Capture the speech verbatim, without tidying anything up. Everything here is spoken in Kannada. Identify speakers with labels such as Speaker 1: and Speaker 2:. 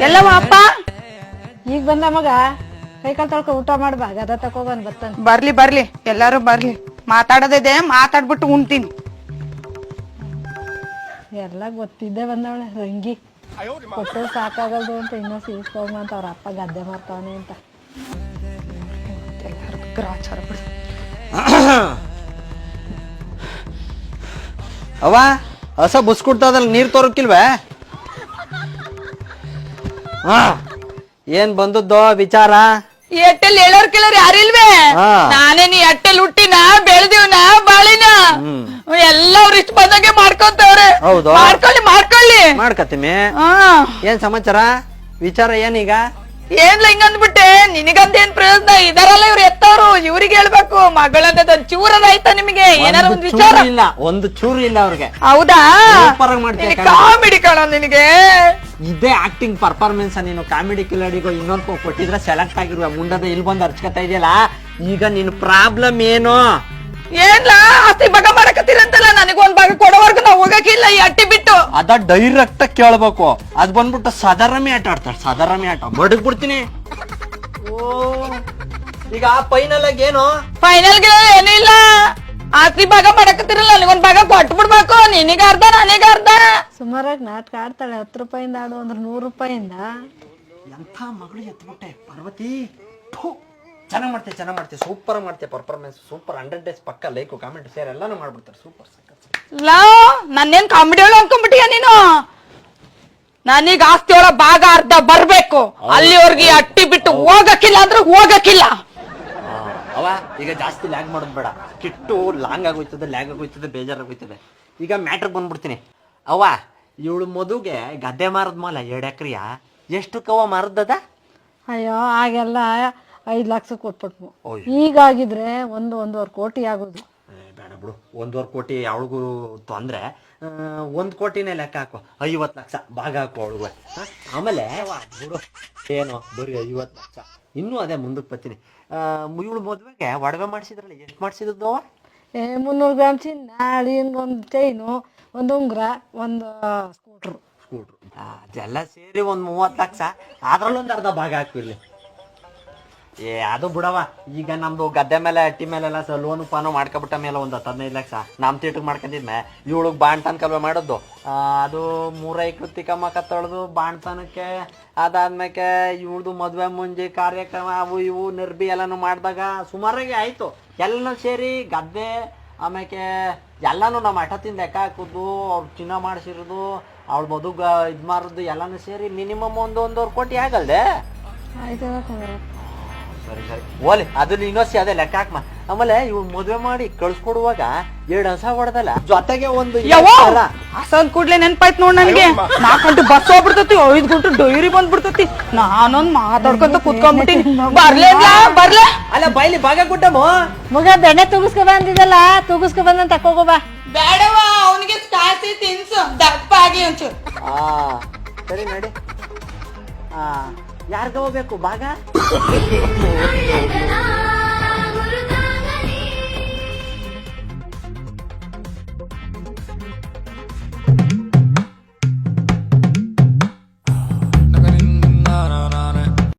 Speaker 1: ಎಲ್ಲವ ಅಪ್ಪ
Speaker 2: ಈಗ ಬಂದ ಮಗ ಕೈ ಕಾಲು ತೊಳ್ಕೊ ಊಟ ಮಾಡ್ಬಾ ಗದ ತಕೋಬಂದ್ ಬರ್ತಾನ.
Speaker 1: ಬರ್ಲಿ ಬರ್ಲಿ ಎಲ್ಲಾರು ಬರ್ಲಿ ಮಾತಾಡೋದಿದೆ ಮಾತಾಡ್ಬಿಟ್ಟು ಉಣ್ತೀನಿ.
Speaker 2: ಎಲ್ಲ ಗೊತ್ತಿದ್ದೆ ಬಂದವಳೆ ರಂಗಿ ಕೊಟ್ಟು ಸಾಕಾಗಲ್ದು ಅಂತ ಇನ್ನೂ ಸೀಸ್ಕೋಗ ಅಂತ ಅವ್ರ ಅಪ್ಪ ಗದ್ದೆ ಮಾಡ್ತಾವನೆ ಅಂತ
Speaker 1: ಗ್ರಾಚಾರ ಬಿಡು.
Speaker 3: ಅವ ಹಸ ಬುಸ್ಕುಡ್ತದಲ್ಲ ನೀರ್ ತೋರಕ್ಕಿಲ್ವೇ? ಹಾ ಏನ್ ಬಂದದ್ದೋ ವಿಚಾರ?
Speaker 1: ಎಟ್ಟೆಲ್ ಹೇಳೋರ್ ಕೇಳೋರ್ ಯಾರಿಲ್ವೇ? ನಾನೇ ನೀ ಎಟ್ಟೆಲ್ ಹುಟ್ಟಿನ ಬೆಳೆದಿವ್ನ ಬಾಳಿನ ಎಲ್ಲ ಅವ್ರ ಇಷ್ಟ ಬಂದಂಗೆ ಮಾಡ್ಕೊಂತವ್ರೆ.
Speaker 3: ಹೌದು
Speaker 1: ಮಾಡ್ಕೊಳ್ಳಿ ಮಾಡ್ಕೊಳ್ಳಿ
Speaker 3: ಮಾಡ್ಕತ್ತೀಮಿ.
Speaker 1: ಹಾ
Speaker 3: ಏನ್ ಸಮಾಚಾರ ವಿಚಾರ ಏನೀಗ?
Speaker 1: ಏನ್ಲ ಹಿಂಗಂದ್ಬಿಟ್ಟೆ ನಿನಗಂತೇನ್ ಪ್ರಯೋಜನ? ಇದಾರಲ್ಲ ಇವ್ರು ಎತ್ತವ್ರು ಇವ್ರಿಗೆ ಹೇಳ್ಬೇಕು ಮಗಳಂತ ಚೂರದ ಆಯ್ತಾ ನಿಮಗೆ? ಏನಾರ ಒಂದ್ ವಿಚಾರ
Speaker 3: ಇಲ್ಲ, ಒಂದು ಚೂರು ಇಲ್ಲ ಅವ್ರಿಗೆ.
Speaker 1: ಹೌದಾ?
Speaker 3: ಮಾಡ್ತೀನಿ
Speaker 1: ಕಾಮಿಡಿ ಕಾಣ ನಿನಗೆ
Speaker 3: ಇದೇ ಆಕ್ಟಿಂಗ್ ಪರ್ಫಾರ್ಮೆನ್ಸ್. ನೀನು ಕಾಮಿಡಿ ಕಿಲಾಡಿಗೋ ಇನ್ನೊಂದು ಕೊಟ್ಟಿದ್ರೆ ಸೆಲೆಕ್ಟ್ ಆಗಿರುವ ಮುಂಡದ ಇಲ್ಲಿ ಬಂದು ಅರ್ಚ್ಕತಾ ಇದೆಯಲ್ಲ. ಈಗ ನಿನ್ ಪ್ರಾಬ್ಲಮ್ ಏನು?
Speaker 1: ಏನ್ಲ ಆಸ್ತಿ ಭಾಗ ಮಾಡಕತ್ತೀರಂತಲ್ಲ, ನನಗೊಂದ್ ಭಾಗ ಕೊಡೋವರ್ಗು ನಾವ್ ಹೋಗಕ್ಕಿಲ್ಲ ಈ ಅಟ್ಟಿ ಬಿಟ್ಟು.
Speaker 3: ಅದ ಡೈರೆಕ್ಟ್ ಕೇಳ್ಬೇಕು. ಅದ್ ಬಂದ್ಬಿಟ್ಟು ಸಾಧಾರಣಿ ಆಟ ಆಡ್ತಾಳೆ, ಸಾಧಾರಣಿ ಆಟ ಬಡಗ್ ಬಿಡ್ತೀನಿ. ಓ ಈಗ ಫೈನಲ್ ಆಗಿ ಏನು?
Speaker 1: ಫೈನಲ್ ಗೆ ಏನಿಲ್ಲ, ಆಸ್ತಿ ಭಾಗ ಮಾಡಕತ್ತಿರಲ್ಲ ನನಗೊಂದ್ ಭಾಗ ಕೊಟ್ಟು ಬಿಡ್ಬೇಕು. ನಿನಗ ಅರ್ಧ ನನಗ ಅರ್ಧ.
Speaker 2: ಸುಮಾರಾಗಿ ನಾಟಕ ಆಡ್ತಾಳೆ. ಹತ್ತು ರೂಪಾಯಿಂದ ಆಡು ಅಂದ್ರೆ ನೂರು ರೂಪಾಯಿಂದ.
Speaker 3: ಎಂಥ ಮಗಳು ಎತ್ಬಿಟ್ಟೆ ಪಾರ್ವತಿ. ಚೆನ್ನಾಗ್ ಮಾಡ್ತೆ ಚೆನ್ನಾಗ್ ಮಾಡ್ತೆ ಸೂಪರ್ ಮಾಡ್ತೆ ಪರ್ಫಾರ್ಮೆನ್ಸ್ ಸೂಪರ್. ಹಂಡ್ರೆಡ್ ಡೇಸ್ ಪಕ್ಕ ಲೈಕ್ ಕಾಮೆಂಟ್ ಶೇರ್ ಎಲ್ಲಾನು ಮಾಡ್ಬಿಡ್ತಾರೆ. ಸೂಪರ್
Speaker 1: ಲಾ ನನ್ನೇನ್ ಕಾಮಿಡಿ ಒಳ ಅನ್ಕೊಂಡ್ಬಿಟ್ಟಿಯ ನೀನು? ನನೀಗ ಆಸ್ತಿ ಒಳ ಭಾಗ ಅರ್ಧ ಬರ್ಬೇಕು. ಅಲ್ಲಿವರ್ಗೆ ಅಟ್ಟಿ ಬಿಟ್ಟು ಹೋಗಕ್ಕಿಲ್ಲ ಅಂದ್ರೆ ಹೋಗಕ್ಕಿಲ್ಲ.
Speaker 3: ಅವ ಈಗ ಜಾಸ್ತಿ ಲ್ಯಾಗ್ ಮಾಡೋದು ಬೇಡ. ಕಿಟ್ಟು ಲಾಂಗ್ ಆಗೋಯ್ತದೆ, ಲ್ಯಾಗ್ ಆಗೋಯ್ತದೆ, ಬೇಜಾರಾಗೋಯ್ತದೆ. ಈಗ ಮ್ಯಾಟ್ರ್ ಬಂದ್ಬಿಡ್ತೀನಿ. ಅವ ಇವಳು ಮದುಗೆ ಗದ್ದೆ ಮಾರದ್ ಮಾಲ ಎರಡು ಎಕ್ರಿಯ ಎಷ್ಟು ಕವ ಮಾರದದ?
Speaker 2: ಅಯ್ಯೋ ಆಗೆಲ್ಲ ಐದ್ ಲಕ್ಷ ಕೊಟ್ಬಿಟ್ವು. ಈಗಾಗಿದ್ರೆ ಒಂದು ಒಂದೂವರೆ ಕೋಟಿ ಆಗೋದು.
Speaker 3: ಬೇಡ ಬಿಡು, ಒಂದೂವರೆ ಕೋಟಿ ಅವಳಿಗೂ ತೊಂದ್ರೆ. ಒಂದ್ ಕೋಟಿನೇ ಲೆಕ್ಕ ಹಾಕೋ, ಐವತ್ ಲಕ್ಷ ಭಾಗ ಹಾಕೋ ಅವಳಿಗೆ. ಆಮೇಲೆ ಬಿಡು ಏನು ಬರೀ ಐವತ್ ಲಕ್ಷ ಇನ್ನೂ ಅದೇ ಮುಂದಕ್ಕೆ ಬರ್ತೀನಿ. ಇವಳು ಮದ್ವೆಗೆ ಒಡವೆ ಮಾಡಿಸಿದ್ರಲ್ಲ, ಎಷ್ಟು ಮಾಡಿಸಿದ್ದು?
Speaker 2: ಏ ಮುನ್ನೂರು ಗ್ರಾಮ್ ಚಿನ್ನ, ಅಳಿಯನ್ಗೆ ಒಂದು ಚೈನು, ಒಂದು ಉಂಗುರ, ಒಂದು ಸ್ಕೂಟ್ರು
Speaker 3: ಸ್ಕೂಟ್ರು ಅದೆಲ್ಲ ಸೇರಿ ಒಂದ್ ಮೂವತ್ ಲಕ್ಷ. ಅದ್ರಲ್ಲೊಂದು ಅರ್ಧ ಭಾಗ ಹಾಕಿರ್ಲಿ. ಏ ಅದು ಬಿಡವ, ಈಗ ನಮ್ದು ಗದ್ದೆ ಮೇಲೆ ಅಟ್ಟಿ ಮೇಲೆಲ್ಲ ಸ ಲೋನು ಪಾನು ಮಾಡ್ಕೊಬಿಟ್ಟ ಮೇಲೆ ಒಂದು ಹತ್ತು ಹದಿನೈದು ಲಕ್ಷ ನಮ್ ತೇಟಿಗೆ ಮಾಡ್ಕೊಂಡಿದ್ಮೆ. ಇವಳಿಗೆ ಬಾಣ್ತನ ಕಲ್ವೆ ಮಾಡೋದು ಅದು ಮೂರೈ ಕೃತಿಕಮ್ಮ ಕತ್ತೊಳ್ದು ಬಾಣ್ತನಕ್ಕೆ. ಅದಾದ್ಮೇಲೆ ಇವಳ್ದು ಮದ್ವೆ ಮುಂಜಿ ಕಾರ್ಯಕ್ರಮ ಅವು ಇವು ನಿರ್ಬಿ ಎಲ್ಲಾನು ಮಾಡಿದಾಗ ಸುಮಾರಾಗಿ ಆಯ್ತು. ಎಲ್ಲನೂ ಸೇರಿ ಗದ್ದೆ ಆಮೇಲೆ ಎಲ್ಲಾನು ನಮ್ಮ ಹಠದಿಂದ ಲೆಕ್ಕ ಹಾಕುದು, ಅವ್ರು ಚಿನ್ನ ಮಾಡಿಸಿರೋದು, ಅವಳ ಮದುಗ ಇದು ಮಾರೋದು ಎಲ್ಲಾನು ಸೇರಿ ಮಿನಿಮಮ್ ಒಂದು ಒಂದೂವರೆ ಕೋಟಿ ಆಗಲ್ದೆ?
Speaker 2: ಆಯ್ತು.
Speaker 3: ಸರಿ ಸರಿ ಓಲಿ ಅದ್ರಲ್ಲಿ ಇನ್ನೊಸಿ ಅದೇ ಲೆಕ್ಕ ಹಾಕ್ಮ. ಆಮೇಲೆ ಇವ್ ಮದ್ವೆ ಮಾಡಿ ಕಳ್ಸ್ಕೊಡುವಾಗ ಎರಡ್ ಹಸ ಹೊಡೆದಲ್ಲ ಜೊತೆಗೆ ಒಂದು
Speaker 1: ಹಸಂದ್ ಕೂಡ್ಲೆ ನೆನ್ಪಾಯ್ತು ನೋಡ್ ನನಗೆ. ನಾಲ್ಕು ಗಂಟೆ ಬಸ್ ಹೋಗ್ಬಿಡ್ತತಿ, ಐದ್ ಗಂಟೆ ಡೈರಿ ಬಂದ್ಬಿಡ್ತತಿ. ನಾನೊಂದ್ ಮಾತಾಡ್ಕೊಂತ ಕುತ್ಕೊಂಡ್ಬಿಟ್ಟಿನಿ. ಬರ್ಲೇ ಬರ್ಲೇ
Speaker 3: ಅಲ್ಲ ಬೈಲಿ ಭಾಗ ಕೊಟ್ಟಮ್ಮ.
Speaker 2: ಮಗ ಬೆಣ್ಣೆ ತೂಗಿಸ್ಕೊ ಬಂದಿದ್ದಲ್ಲ, ತೂಗಿಸ್ಕೊ ಬಂದ ತಕೋಗೋ ಬಾ.
Speaker 1: ಬೇಡವ ಅವನಿಗೆ ಕಾಸಿ ತಿನ್ಸು ದಪ್ಪ ಆಗಿ ಒಂಚೂರು.
Speaker 3: ಆ ಸರಿ ನಡಿ. ಆ ಯಾರ್ಗ ಹೋಗ್ಬೇಕು ಭಾಗ?